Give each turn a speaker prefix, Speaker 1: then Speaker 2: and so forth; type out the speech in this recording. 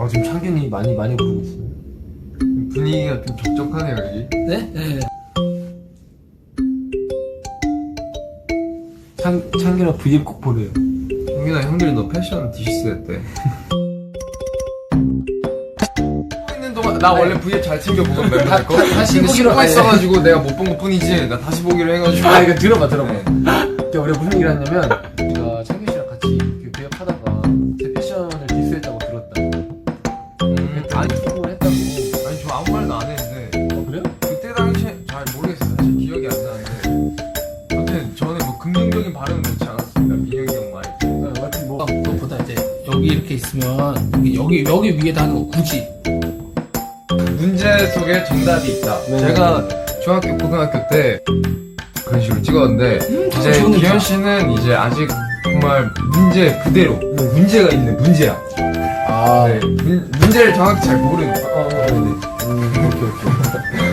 Speaker 1: 지금 창균이 많이 부르고 있어요.
Speaker 2: 분위기가 좀 적적하네요 여기.
Speaker 3: 네? 네.
Speaker 1: 창균아 브이앱 꼭 보래요.
Speaker 2: 형균아 형들이 너 패션 디시스 했대. 있는 동안 나 원래 브이앱 잘 챙겨 보던데.
Speaker 1: 다시
Speaker 2: 근데
Speaker 1: 보기로
Speaker 2: 신고가
Speaker 1: 해.
Speaker 2: 있어가지고 내가 못 본 것 뿐이지. 나 다시 보기로 해가지고.
Speaker 1: 이거 들어봐. 그때 우리가 무슨 얘기를 했냐면 창균 씨랑 같이 그 브이앱 하다가 제 패션을 디스했다고 들었다.
Speaker 2: 아니,
Speaker 1: 했다고.
Speaker 2: 아니 저 아무 말도 안 했는데.
Speaker 1: 그래요?
Speaker 2: 그때 당시에 잘 모르겠어요. 사실 기억이 안 나는데. 아무튼 저는 뭐 긍정적인 발언은 놓지 않았습니다. 민혁이 형 말.
Speaker 1: 하여튼 뭐
Speaker 3: 그것보다 이제 여기 이렇게 있으면 여기 위에다 하는 거 굳이.
Speaker 2: 문제 속에 정답이 있다.
Speaker 1: 네.
Speaker 2: 제가 중학교, 고등학교 때 그런 식으로 찍었는데 이제
Speaker 3: 좋은
Speaker 2: 기현 씨는 이제 아직 정말 문제 그대로 문제가 있는 문제야.
Speaker 1: 아
Speaker 2: 네, 문제를 정확히 잘 모르는.
Speaker 1: 오케이.